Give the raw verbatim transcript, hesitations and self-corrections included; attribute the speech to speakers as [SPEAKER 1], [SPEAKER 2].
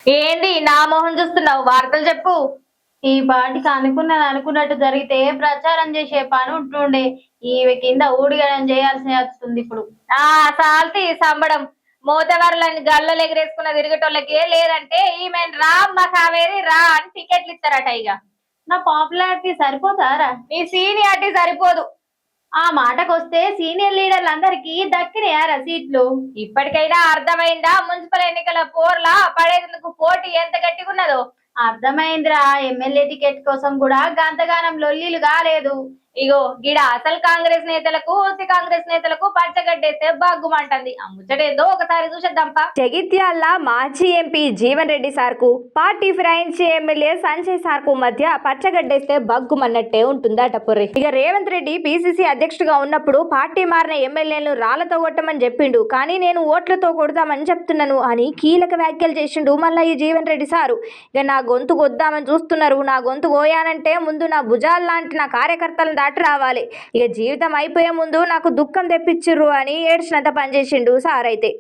[SPEAKER 1] ఏంది నా మొహం చూస్తున్నావు? వార్తలు చెప్పు.
[SPEAKER 2] ఈ పాటికి అనుకున్నది అనుకున్నట్టు జరిగితే ప్రచారం చేసే పని ఉంటుండే. ఈమె కింద ఊడిగడం చేయాల్సి వస్తుంది ఇప్పుడు.
[SPEAKER 1] ఆ సాల్తి సంబడం మోతవరులని గళ్ళలు ఎగరేసుకున్న తిరిగేటోళ్ళకి లేదంటే ఈమె రా మా కావేరి రా అని టికెట్లు ఇస్తారట. ఇక
[SPEAKER 2] నా పాపులారిటీ సరిపోతారా?
[SPEAKER 1] నీ సీనియారిటీ సరిపోదు.
[SPEAKER 2] ఆ మాటకొస్తే సీనియర్ లీడర్లు అందరికీ దక్కినాయారా సీట్లు?
[SPEAKER 1] ఇప్పటికైనా అర్థమైందా మున్సిపల్ ఎన్నికల పోర్లా పడేందుకు పోటీ ఎంత గట్టిగా ఉన్నదో?
[SPEAKER 2] అర్థమైందిరా. ఎమ్మెల్యే టికెట్ కోసం కూడా గంతగానం లొల్లీలు కాలేదు.
[SPEAKER 1] ఇగో గిడ అసలు కాంగ్రెస్ నేతలకు ఉసి కాంగ్రెస్ నేతలకు పచ్చగడ్డేస్తే బగ్గుమంటుంది. ఆ ముచ్చటేందో ఒకసారి చూసేద్దాంపా.
[SPEAKER 3] జగిత్యాల మాజీ ఎంపీ జీవన్ రెడ్డి సార్కు పార్టీ ఫిరాయించి ఎమ్మెల్యే సంజయ్ సార్కు మధ్య పచ్చగడ్డేస్తే బగ్గుమన్నట్టే ఉంటుందట పొర్రి. ఇక రేవంత్ రెడ్డి పిసిసి అధ్యక్షుడిగా ఉన్నప్పుడు పార్టీ మారిన ఎమ్మెల్యేలను రాళ్లతో కొట్టమని చెప్పిండు, కానీ నేను ఓట్లతో కొడతామని చెప్తున్నాను అని కీలక వ్యాఖ్యలు చేసిండు మళ్ళా ఈ జీవన్ రెడ్డి సారు. ఇక నా గొంతు కొద్దామని చూస్తున్నారు, నా గొంతు కోయానంటే ముందు నా భుజాలు లాంటి నా కార్యకర్తలను దాటి రావాలి. ఇక జీవితం అయిపోయే ముందు నాకు దుఃఖం తెప్పించిర్రు అని ఏడ్చినంత పనిచేసిండు సార్ అయితే.